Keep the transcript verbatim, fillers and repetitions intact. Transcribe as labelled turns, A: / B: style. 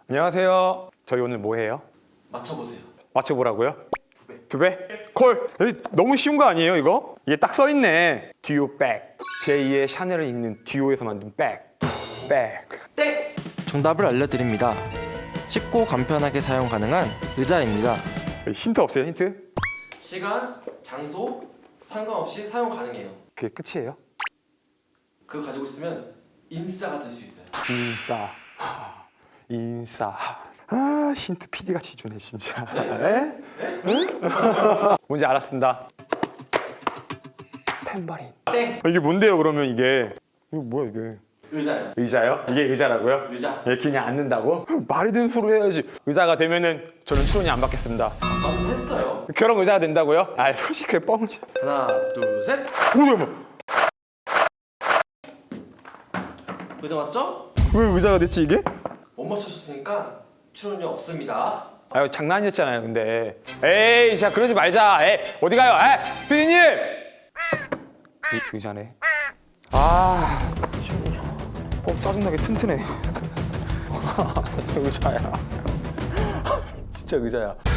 A: 안녕하세요. 저희 오늘 뭐 해요?
B: 맞춰보세요.
A: 맞춰보라고요?
B: 두 배.
A: 두 배? 콜! 에이, 너무 쉬운 거 아니에요 이거? 이게 딱 써있네. 듀오 백. 제이의 샤넬을 입는 듀오에서 만든 백. 백.
B: 땡!
C: 정답을 알려드립니다. 쉽고 간편하게 사용 가능한 의자입니다.
A: 힌트 없어요 힌트?
B: 시간, 장소 상관없이 사용 가능해요.
A: 그게 끝이에요?
B: 그거 가지고 있으면 인싸가 될 수 있어요.
A: 인싸. 하, 인싸. 아 힌트 피디같이 주네 진짜. 에? 응? 뭔지 알았습니다. 탬버린.
B: 땡!
A: 아, 이게 뭔데요 그러면 이게? 이거 뭐야 이게?
B: 의자요.
A: 의자요? 이게 의자라고요?
B: 의자.
A: 예, 그냥 앉는다고? 말이 되는 소리 해야지. 의자가 되면은 저는 출연이 안 받겠습니다.
B: 안 했어요.
A: 결혼 의자가 된다고요? 아 솔직히 뻥치.
B: 하나, 둘, 셋.
A: 뭐야 뭐?
B: 의자 맞죠?
A: 왜 의자가 됐지 이게?
B: 못 맞춰줬으니까 출연료 없습니다.
A: 아유 장난이었잖아요 근데. 에이 자 그러지 말자. 에이 어디 가요? 에이 피디님! 의, 의자네. 아 어, 짜증나게 튼튼해. 의자야. 진짜 의자야.